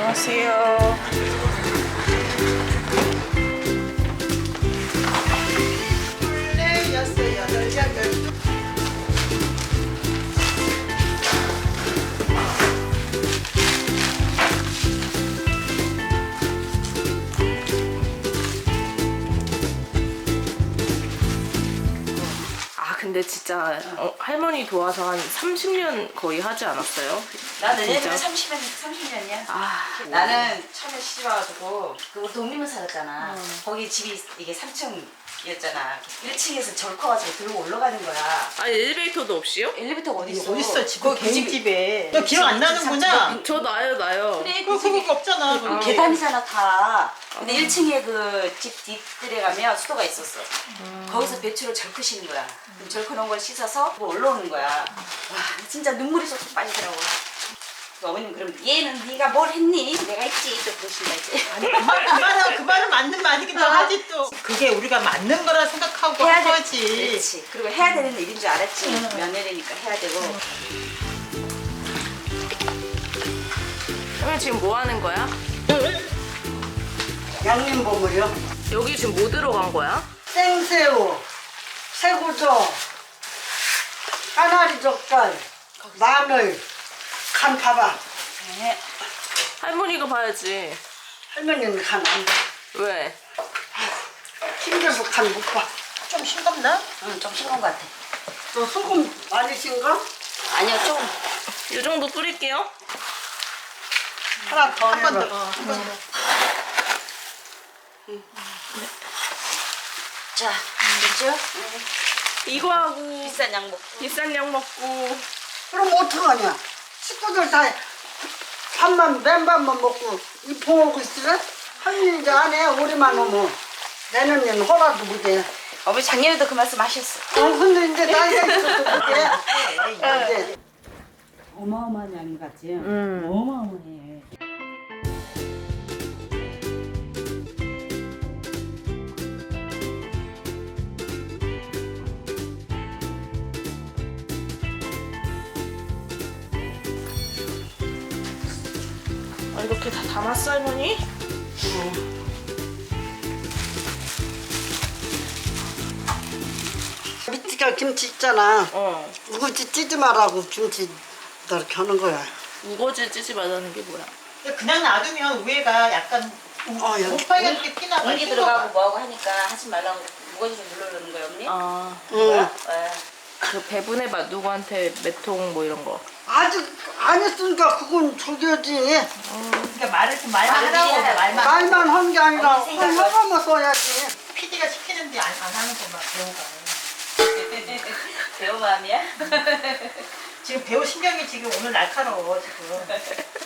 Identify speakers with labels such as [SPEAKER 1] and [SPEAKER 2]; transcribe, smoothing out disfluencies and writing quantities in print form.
[SPEAKER 1] 안녕하세요.
[SPEAKER 2] 둘, 여섯, 여덟, 열두.
[SPEAKER 1] 근데 진짜 할머니 도와서 한 30년 거의 하지 않았어요?
[SPEAKER 3] 나는
[SPEAKER 1] 진짜?
[SPEAKER 3] 옛날에 30년이야.
[SPEAKER 1] 아,
[SPEAKER 3] 나는 처음에 시집 와가지고 우리 독립문 살았잖아. 거기 집이 이게 3층이었잖아. 1층에서 절 커가지고 들고 올라가는 거야.
[SPEAKER 1] 아니 엘리베이터도 없이요?
[SPEAKER 3] 엘리베이터가 어디 있어?
[SPEAKER 2] 어딨어 지금
[SPEAKER 3] 그
[SPEAKER 2] 개인
[SPEAKER 3] 집이
[SPEAKER 2] 집에. 너 기억 안 나는구나.
[SPEAKER 1] 저 나요.
[SPEAKER 3] 그래
[SPEAKER 2] 그거
[SPEAKER 3] 그 집이
[SPEAKER 2] 그거 없잖아. 거기.
[SPEAKER 3] 계단이잖아 다. 근데 1층에 그 집 뒷뜰에 가면 수도가 있었어. 거기서 배추를 절크시는 거야. 그럼 절크놓은 걸 씻어서 올라오는 거야. 와 진짜 눈물이 쏙쏙 빠지더라고. 그 어머님 그럼 얘는 네가 뭘 했니? 내가 했지 또 그러신다 이제.
[SPEAKER 2] 그 말은 맞는 말이기도 하지 또. 그게 우리가 맞는 거라 생각하고
[SPEAKER 3] 해야
[SPEAKER 2] 한
[SPEAKER 3] 돼.
[SPEAKER 2] 거지.
[SPEAKER 3] 그렇지. 그리고 해야 되는 일인 줄 알았지. 며느리니까 해야 되고.
[SPEAKER 1] 할머니 지금 뭐 하는 거야?
[SPEAKER 4] 양념 버무려,
[SPEAKER 1] 여기 지금 뭐 들어간 거야?
[SPEAKER 4] 생새우, 새우젓, 까나리 젓갈, 마늘, 간 봐봐.
[SPEAKER 3] 네.
[SPEAKER 1] 할머니가 봐야지.
[SPEAKER 4] 할머니는 간 안 봐.
[SPEAKER 1] 왜?
[SPEAKER 4] 힘들어서 간 못 봐.
[SPEAKER 2] 좀 싱겁나?
[SPEAKER 3] 응, 좀 싱거운 것 같아.
[SPEAKER 4] 너 소금 많이 싱거?
[SPEAKER 3] 아니요, 조금.
[SPEAKER 1] 이 정도 뿌릴게요.
[SPEAKER 4] 하나 더
[SPEAKER 2] 한 번
[SPEAKER 4] 해봐.
[SPEAKER 2] 더. 한 번 더.
[SPEAKER 3] 자, 됐죠?
[SPEAKER 1] 이거 하고
[SPEAKER 3] 비싼 양 먹고.
[SPEAKER 1] 비싼 약 먹고.
[SPEAKER 4] 그럼 어떡하냐? 식구들 다 맨밥만 먹고 이 봉하고 있으래? 할머니 이제 안 해. 우리만 오면. 내년에는 허라도 못해.
[SPEAKER 3] 어머니 작년에도 그 말씀 하셨어.
[SPEAKER 4] 근데 이제 나이가 있어서 못해. 이제.
[SPEAKER 5] 어마어마한 양 같지? 어마어마해.
[SPEAKER 1] 아, 이렇게 다 담았어 할머니?
[SPEAKER 4] 밑에가 김치 있잖아. 우거지 찌지 말라고 김치 이렇게 하는 거야.
[SPEAKER 1] 우거지 찌지 말라는 게 뭐야?
[SPEAKER 2] 근데 그냥 놔두면 위에가 약간
[SPEAKER 4] 여기.
[SPEAKER 2] 오빠가 이렇게 피나
[SPEAKER 3] 공기 들어가고 뭐하고 하니까 하지 말라고 무거지 좀 눌러주는 거야, 언니?
[SPEAKER 1] 아,
[SPEAKER 4] 응.
[SPEAKER 3] 네.
[SPEAKER 1] 그 배분의 맛 누구한테 몇 통 뭐 이런 거.
[SPEAKER 4] 아직 안 했으니까 그건 저기지.
[SPEAKER 2] 그러니까 말을 좀 말만
[SPEAKER 3] 말을
[SPEAKER 2] 하라고
[SPEAKER 3] 해야
[SPEAKER 2] 말만.
[SPEAKER 4] 말만 한 게 아니라
[SPEAKER 3] 언니 생각은?
[SPEAKER 4] 하나만 써야지.
[SPEAKER 2] PD가 시키는데 안 하는 거막 배우가.
[SPEAKER 3] 배우 마음이야?
[SPEAKER 2] 지금 배우 신경이 지금 오늘 날카로워 지금.